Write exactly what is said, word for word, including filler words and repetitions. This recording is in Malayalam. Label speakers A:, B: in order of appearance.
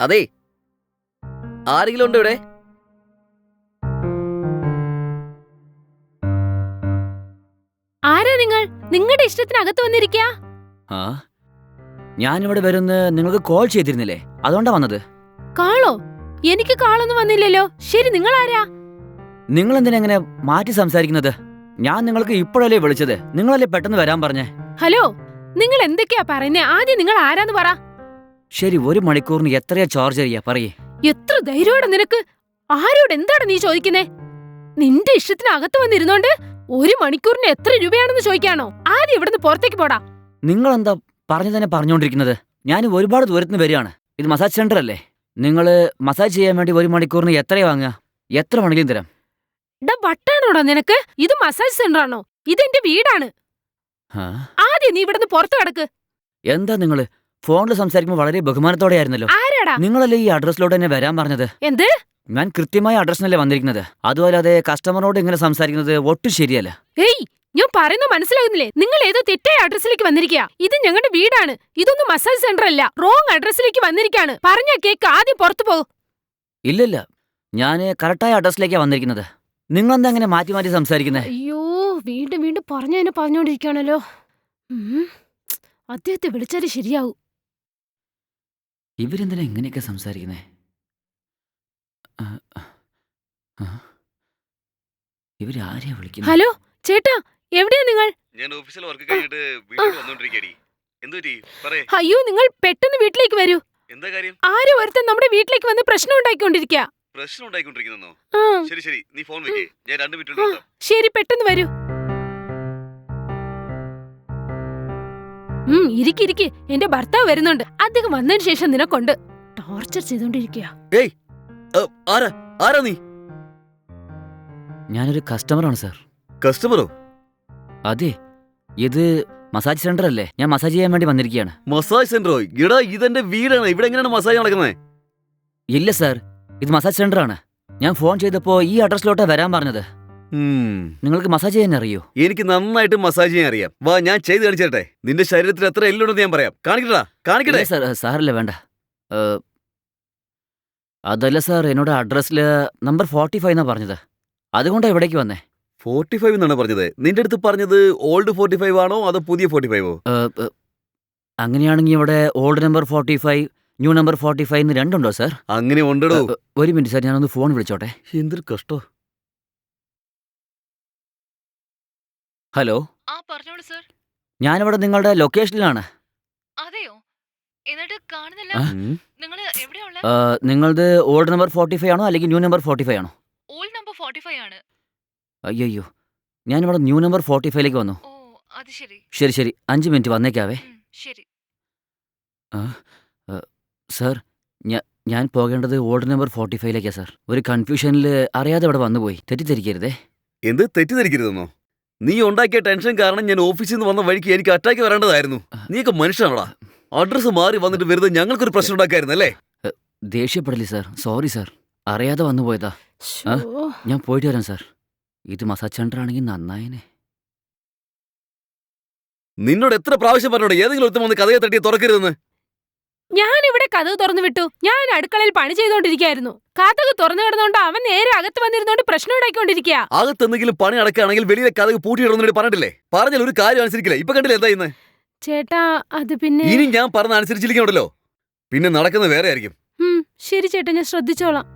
A: അതെ, ആരെങ്കിലും ഉണ്ടോ ഇവിടെ?
B: ആരാ നിങ്ങൾ? നിങ്ങളുടെ ഇഷ്ടത്തിനകത്ത് വന്നിരിക്കാ?
C: ആ ഞാനിവിടെ വരുന്ന നിങ്ങൾക്ക് കോൾ ചെയ്തിരുന്നില്ലേ? അതുകൊണ്ടാ വന്നത്.
B: കാളോ? എനിക്ക് കാളൊന്നും വന്നില്ലല്ലോ. ശരി, നിങ്ങൾ ആരാ?
C: നിങ്ങൾ എന്തിനാ എങ്ങനെ മാറ്റി സംസാരിക്കുന്നത്? ഞാൻ നിങ്ങൾക്ക് ഇപ്പോഴല്ലേ വിളിച്ചത്, നിങ്ങളല്ലേ പെട്ടെന്ന് വരാൻ പറഞ്ഞേ.
B: ഹലോ, നിങ്ങൾ എന്തൊക്കെയാ പറയുന്നേ? ആദ്യം നിങ്ങൾ ആരാന്ന് പറ.
C: ശരി, ഒരു മണിക്കൂറിന് എത്രയാ ചാർജ് ചെയ്യാ പറയേ?
B: എത്ര ധൈര്യോടെ നിനക്ക്? ആരോട് എന്താണ് നീ ചോദിക്കുന്നേ? നിന്റെ ഇഷ്ടത്തിനകത്ത് വന്നിരുന്നോണ്ട് ഒരു മണിക്കൂറിന് എത്ര രൂപയാണെന്ന് ചോദിക്കാണോ? ആദ്യം ഇവിടുന്ന് പുറത്തേക്ക് പോടാ.
C: നിങ്ങൾ എന്താ പറഞ്ഞു തന്നെ പറഞ്ഞുകൊണ്ടിരിക്കുന്നത്? ഞാൻ ഒരുപാട് ദൂരത്തിന് വരികയാണ്. ഇത് മസാജ് സെന്റർ അല്ലേ? നിങ്ങള് മസാജ് ചെയ്യാൻ വേണ്ടി ഒരു മണിക്കൂറിന് എത്രയാ വാങ്ങുക? എത്ര വേണമെങ്കിലും തരാം.
B: ഡാ വട്ടാണോടാ നിനക്ക്? ഇത് മസാജ് സെന്റർ ആണോ? ഇതെന്റെ വീടാണ്. ആദ്യം നീ ഇവിടുന്ന് പുറത്തു കിടക്ക്.
C: എന്താ നിങ്ങള് ഫോണിൽ സംസാരിക്കുമ്പോൾ വളരെ ബഹുമാനത്തോടെ ആയിരുന്നല്ലോ.
B: ആരാടാ?
C: നിങ്ങളല്ലേ ഈ അഡ്രസ്സിലോട്ട് തന്നെ വരാൻ പറഞ്ഞത്?
B: എന്ത്?
C: ഞാൻ കൃത്യമായ അഡ്രസ്സിനല്ലേ വന്നിരിക്കുന്നത്. അതുപോലെ കസ്റ്റമറോട് ഇങ്ങനെ സംസാരിക്കുന്നത് ഒട്ടും ശരിയല്ല.
B: ഏയ്, ഞാൻ പറയുന്നത് മനസ്സിലാകുന്നില്ലേ? നിങ്ങൾ ഏതോ തെറ്റായ അഡ്രസ്സിലേക്ക് വന്നിരിക്കുക. ഇത് ഞങ്ങളുടെ വീടാണ്. ഇതൊന്നും മസാജ് സെന്റർ അല്ല. റോങ് അഡ്രസ്സിലേക്ക് വന്നിരിക്കാണ്. പറഞ്ഞ കേക്ക്, ആദ്യം പുറത്തു പോകും.
C: ഇല്ലില്ല, ഞാൻ കറക്റ്റായ അഡ്രസ്സിലേക്കാ വന്നിരിക്കുന്നത്. നിങ്ങളെന്താ അങ്ങനെ മാറ്റി മാറ്റി സംസാരിക്കുന്നത്?
B: അയ്യോ, വീണ്ടും വീണ്ടും പറഞ്ഞു തന്നെ പറഞ്ഞോണ്ടിരിക്കുകയാണല്ലോ. അദ്ദേഹത്തെ വിളിച്ചാലേ ശരിയാവും.
C: ഇവരെന്തിനാ ഇങ്ങനെയൊക്കെ സംസാരിക്കുന്നേ? ഇവരാരെയാ വിളിക്കുന്നത്?
B: ഹലോ ചേട്ടാ, എവിടെയാ നിങ്ങൾ?
A: ഞാൻ ഓഫീസിൽ വർക്ക് കഴിഞ്ഞിട്ട് വീട്ടിൽ വന്നോണ്ടിരിക്കടി. എന്തുപറ്റി പറയേ?
B: അയ്യോ, നിങ്ങൾ പെട്ടെന്ന് വീട്ടിലേക്ക് വരൂ.
A: എന്താ കാര്യം?
B: ആരോ ഒരുത്തൻ നമ്മുടെ വീട്ടിലേക്ക് വന്ന് പ്രശ്നം ഉണ്ടാക്കിക്കൊണ്ടിരിക്കുക.
A: പ്രശ്നം ഉണ്ടായിക്കൊണ്ടിരിക്കുന്നോ? ശരി ശരി, നീ ഫോൺ വെക്കേ, ഞാൻ രണ്ട് മിനിറ്റ് കൊണ്ട് വരാം.
B: ശരി, പെട്ടെന്ന് വരൂ. ഉം ഇരിക്കിരിക്ക്, എന്റെ ഭർത്താവ് വരുന്നുണ്ട്. അദ്ദേഹം വന്നതിന് ശേഷം നിനക്കൊണ്ട് ടോർച്ചർ ചെയ്തോണ്ടിരിക്കുക.
A: ഏയ്, ആരാ ആരാ നീ?
C: ഞാനൊരു കസ്റ്റമറാണ് സാർ.
A: കസ്റ്റമറോ?
C: അതെ, ഇത് മസാജ് സെന്റർ അല്ലേ? ഞാൻ മസാജ് ചെയ്യാൻ വേണ്ടി വന്നിരിക്കുകയാണ്.
A: മസാജ് സെന്ററോ? എടാ, ഇതെന്റെ വീടാണ്. ഇവിടെ എങ്ങനെയാണ് മസാജ് നടക്കുന്നത്?
C: ഇല്ല സാർ, ഇത് മസാജ് സെന്റർ ആണ്. ഞാൻ ഫോൺ ചെയ്തപ്പോ ഈ അഡ്രസ്സിലോട്ടാ വരാൻ പറഞ്ഞത്. നിങ്ങൾക്ക് മസാജ് ചെയ്യാൻ അറിയോ?
A: എനിക്ക് നന്നായിട്ട് മസാജ് ചെയ്യാൻ അറിയാം. വാ, ഞാൻ ചെയ്ത് കാണിച്ചേട്ടെ. നിന്റെ ശരീരത്തിൽ എത്ര എല്ലുണ്ടെന്ന് ഞാൻ പറയാം. കാണിക്കട്ടാ, കാണിക്കട്ടെ.
C: സാർ സാറല്ലേ വേണ്ട. അതല്ല സാർ, എന്നോട് അഡ്രസ്സില് നമ്പർ ഫോർട്ടി ഫൈവ് എന്നാ പറഞ്ഞത്. അതുകൊണ്ടാ ഇവിടേക്ക് വന്നേ.
A: ഫോർട്ടി ഫൈവ് എന്നാണ് പറഞ്ഞത്. നിന്റെ അടുത്ത് പറഞ്ഞത് ഓൾഡ് ഫോർട്ടി ഫൈവ് ആണോ അതോ പുതിയ ഫോർട്ടി ഫൈവോ?
C: അങ്ങനെയാണെങ്കിൽ ഇവിടെ old number forty five, new number forty five എന്ന് രണ്ടുണ്ടോ സാർ?
A: അങ്ങനെ ഉണ്ടോ?
C: ഒരു മിനിറ്റ് സാർ, ഞാനൊന്ന് ഫോൺ വിളിച്ചോട്ടെ.
A: എന്തൊരു കഷ്ടോ.
C: ഹലോ,
D: ആ പറഞ്ഞോളൂ സർ.
C: ഞാനിവിടെ നിങ്ങളുടെ ലൊക്കേഷനിലാണ്.
D: അതെയോ? എന്നിട്ട് കാണുന്നില്ല. നിങ്ങൾ എവിടെയാ ഉള്ളത്?
C: നിങ്ങളത് ഓൾഡ് നമ്പർ ഫോർട്ടി ഫൈവ് ആണോ അല്ലെങ്കിൽ ന്യൂ നമ്പർ ഫോർട്ടി ഫൈവ് ആണോ?
D: ഓൾഡ് നമ്പർ ഫോർട്ടി ഫൈവ് ആണ്.
C: അയ്യോ, ഞാനിവിടെ ന്യൂ നമ്പർ ഫോർട്ടി ഫൈവിലേക്ക് വന്നു.
D: ഓ, അത് ശരി.
C: ശരി ശരി, അഞ്ച് മിനിറ്റ് വന്നേക്കാവേ.
D: ശരി.
C: സാർ, ഞാൻ പോകേണ്ടത് ഓൾഡ് നമ്പർ ഫോർട്ടി ഫൈവിലേക്കാ സാർ. ഒരു കൺഫ്യൂഷനിൽ അറിയാതെ ഇവിടെ വന്നുപോയി. തെറ്റിദ്ധരിക്കരുതേ.
A: എന്ത് തെറ്റിദ്ധരിക്കരുതെന്നോ? നീ ഉണ്ടാക്കിയ ടെൻഷൻ കാരണം ഞാൻ ഓഫീസിൽ നിന്ന് വന്ന വഴിക്ക് എനിക്ക് അറ്റാക്ക് വരേണ്ടതായിരുന്നു. നീയൊക്കെ മനുഷ്യനാണോടാ? അഡ്രസ് മാറി വന്നിട്ട് വെറുതെ ഞങ്ങൾക്കൊരു പ്രശ്നം ഉണ്ടാക്കായിരുന്നല്ലേ?
C: ദേഷ്യപ്പെടല്ലേ സാർ, സോറി സാർ, അറിയാതെ വന്നുപോയതാ. ഞാൻ പോയിട്ട് വരാം സാർ. ഇത് മസാജ് സെന്റർ ആണെങ്കിൽ നന്നായനെ.
A: നിന്നോട് എത്ര പ്രാവശ്യം പറഞ്ഞോട് ഏതെങ്കിലും ഒരുത്തം വന്ന് കഥയെ തട്ടിയെ തുറക്കരുതെന്ന്?
B: ഞാൻ ഇവിടെ കഥ തുറന്നു വിട്ടു. ഞാൻ അടുക്കളയിൽ പണി ചെയ്തോണ്ടിരിക്കായിരുന്നു. കഥക് തുറന്നു കിടന്നോണ്ട് അവൻ നേരെ അകത്ത് വന്നിരുന്നോണ്ട് പ്രശ്നം ഉണ്ടായിക്കൊണ്ടിരിക്കുക.
A: അകത്തെന്തെങ്കിലും പണി അടക്കുകയാണെങ്കിൽ വെളിയിലെ കഥക് പൂട്ടിയിടുന്നതിന് പറഞ്ഞിട്ടില്ലേ? പറഞ്ഞാൽ ഒരു കാര്യം അനുസരിക്കില്ല. ഇപ്പൊ കണ്ടില്ല എന്താ ഇന്ന്?
B: ചേട്ടാ, അത് പിന്നെ
A: ഇനി ഞാൻ പറഞ്ഞ അനുസരിച്ചിരിക്കണല്ലോ, പിന്നെ നടക്കുന്നത് വേറെ ആയിരിക്കും.
B: ശരി ചേട്ടാ, ഞാൻ ശ്രദ്ധിച്ചോളാം.